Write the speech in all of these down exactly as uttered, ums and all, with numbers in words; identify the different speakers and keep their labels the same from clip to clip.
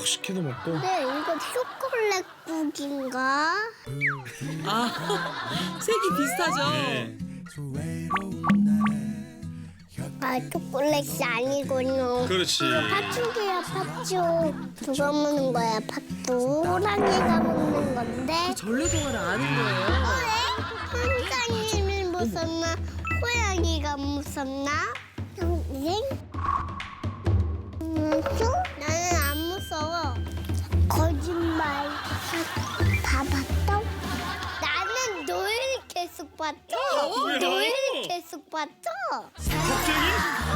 Speaker 1: 식혜도 먹고.
Speaker 2: 네, 이거 초콜릿 국인가?
Speaker 3: 아, 색이 비슷하죠?
Speaker 1: 네.
Speaker 2: 아, 초콜릿이 아니군요.
Speaker 1: 그렇지.
Speaker 2: 팥죽이야, 팥죽. 누가 먹는 거야, 팥죽? 호랑이가 먹는 건데.
Speaker 3: 전래동화를 아는 거예요.
Speaker 2: 선장님이 무섭나? 호랑이가 무섭나? 선생? 무서워? 나는 안 무서워. 거짓말. 다 봤어? 나는 노을 계속 봤어.
Speaker 1: 뭐야?
Speaker 2: 노을 계속 봤어.
Speaker 1: 갑자기?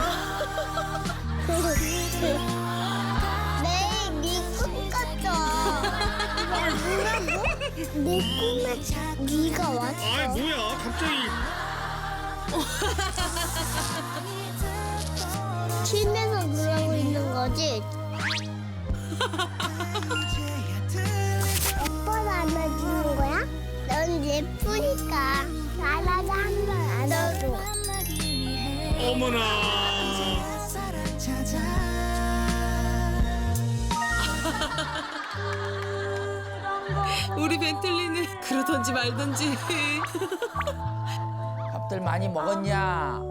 Speaker 2: 매일 네꿈 같아. 뭐라고? 내 꿈에 네가 왔어.
Speaker 1: 아이 뭐야 갑자기.
Speaker 2: 침에서 그러고 있는 거지? 오빠도 안아주는 거야? 넌 예쁘니까 나라도 한 번 안아줘.
Speaker 1: 어머나.
Speaker 3: 우리 벤틀리는 그러던지 말던지.
Speaker 4: 밥들 많이 먹었냐?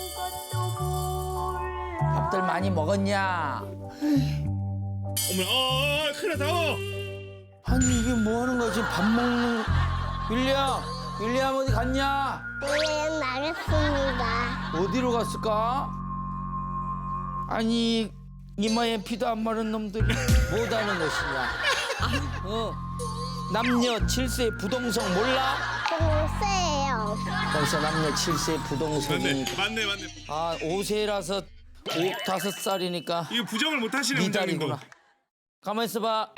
Speaker 4: 밥들 많이 먹었냐?
Speaker 1: 어머나. 아 큰일 났다. 어.
Speaker 4: 아니 이게 뭐 하는 거야 지금 밥 먹는 윌리엄 윌리엄 어디 갔냐?
Speaker 2: 네, 나겠습니다.
Speaker 4: 어디로 갔을까? 아니 이마에 피도 안 마른 놈들이 뭐하는 것이냐? 어 남녀 칠세 부동성 몰라?
Speaker 2: 동세예요.
Speaker 4: 벌써 남녀 칠세
Speaker 1: 맞네
Speaker 4: 부동성이니까
Speaker 1: 맞네 맞네.
Speaker 4: 아 오세라서 오 다섯 살이니까
Speaker 1: 이거 부정을 못 하시네
Speaker 4: 네
Speaker 1: 원장님도.
Speaker 4: 달이구나. 가만 있어봐.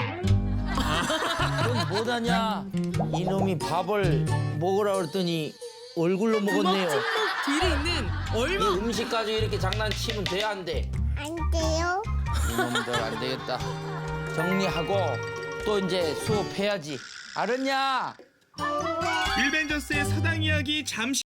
Speaker 4: 넌 뭐하냐? 이놈이 밥을 먹으라 그랬더니 얼굴로 먹었네요.
Speaker 3: 뒤에 있는
Speaker 4: 이
Speaker 3: 얼마.
Speaker 4: 음식 가지고 이렇게 장난치면 돼 안 돼?
Speaker 2: 안 돼요?
Speaker 4: 이놈들 안 되겠다. 정리하고 또 이제 수업해야지. 알았냐?
Speaker 1: 일벤져스의 사당 이야기 잠시.